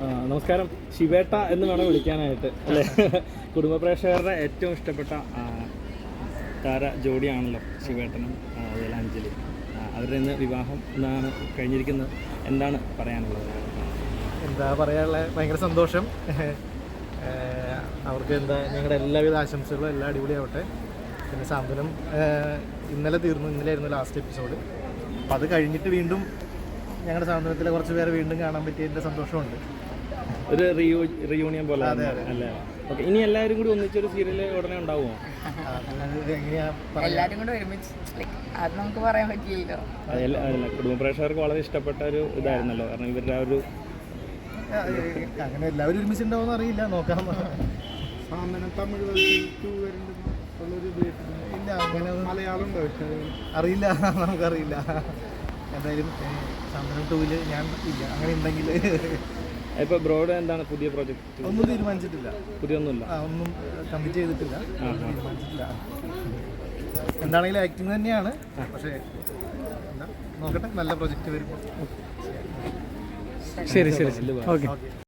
നമസ്കാരം. ശിവേട്ട എന്ന് വേണം വിളിക്കാനായിട്ട് അല്ലേ? കുടുംബ പ്രേക്ഷകരുടെ ഏറ്റവും ഇഷ്ടപ്പെട്ട താര ജോഡിയാണല്ലോ ശിവേട്ടനും അതുപോലെ അഞ്ജലി. അവരുടെ ഇന്ന് വിവാഹം എന്നാണ് കഴിഞ്ഞിരിക്കുന്നത്. എന്താണ് പറയാനുള്ളത്? എന്താ പറയാനുള്ളത്, ഭയങ്കര സന്തോഷം. അവർക്ക് ഞങ്ങളുടെ എല്ലാവിധ ആശംസകളും എല്ലാം അടിപൊളിയാവട്ടെ. പിന്നെ സാന്ത്വനം ഇന്നലെയായിരുന്നു ലാസ്റ്റ് എപ്പിസോഡ്. അപ്പോൾ അത് കഴിഞ്ഞിട്ട് വീണ്ടും ഞങ്ങളുടെ സാന്ത്വനത്തിലെ കുറച്ച് പേരെ വീണ്ടും കാണാൻ പറ്റിയതിൻ്റെ സന്തോഷമുണ്ട്. ഒരു റിയൂണിയൻ പോലെ അല്ലേ? ഓക്കെ, ഇനി എല്ലാവരും കൂടി ഒന്നിച്ചൊരു സീരിയൽ ഉടനെ ഉണ്ടാവുമോ? എല്ലാവരും കൂടി ഒരുമിച്ച് അത് നമുക്ക് പറയാൻ പറ്റില്ലല്ലോ. അല്ല, കുടുംബ പ്രേക്ഷകർക്ക് വളരെ ഇഷ്ടപ്പെട്ട ഒരു ഇതായിരുന്നല്ലോ, കാരണം ഇവരുടെ ആ ഒരു അങ്ങനെ എല്ലാവരും ഒരുമിച്ചുണ്ടാവുമെന്ന് അറിയില്ല, നോക്കാം. ഇല്ല, അങ്ങനെ മലയാളം അറിയില്ല, നമുക്കറിയില്ല. എന്തായാലും സാന്ത്വനം 2 ഞാൻ ഇല്ല, അങ്ങനെ ഉണ്ടെങ്കിൽ. ഇപ്പോൾ ബ്രോഡ് എന്താണ് പുതിയ പ്രോജക്റ്റ്? ഒന്നും തീരുമാനിച്ചിട്ടില്ല, പുതിയൊന്നുമില്ല, ഒന്നും കമ്മിറ്റ് ചെയ്തിട്ടില്ല, തീരുമാനിച്ചിട്ടില്ല. എന്താണെങ്കിലും ആക്ടിങ് തന്നെയാണ്, പക്ഷേ നോക്കട്ടെ, നല്ല പ്രൊജക്റ്റ് വരുമ്പോൾ. ശരി ഓക്കെ.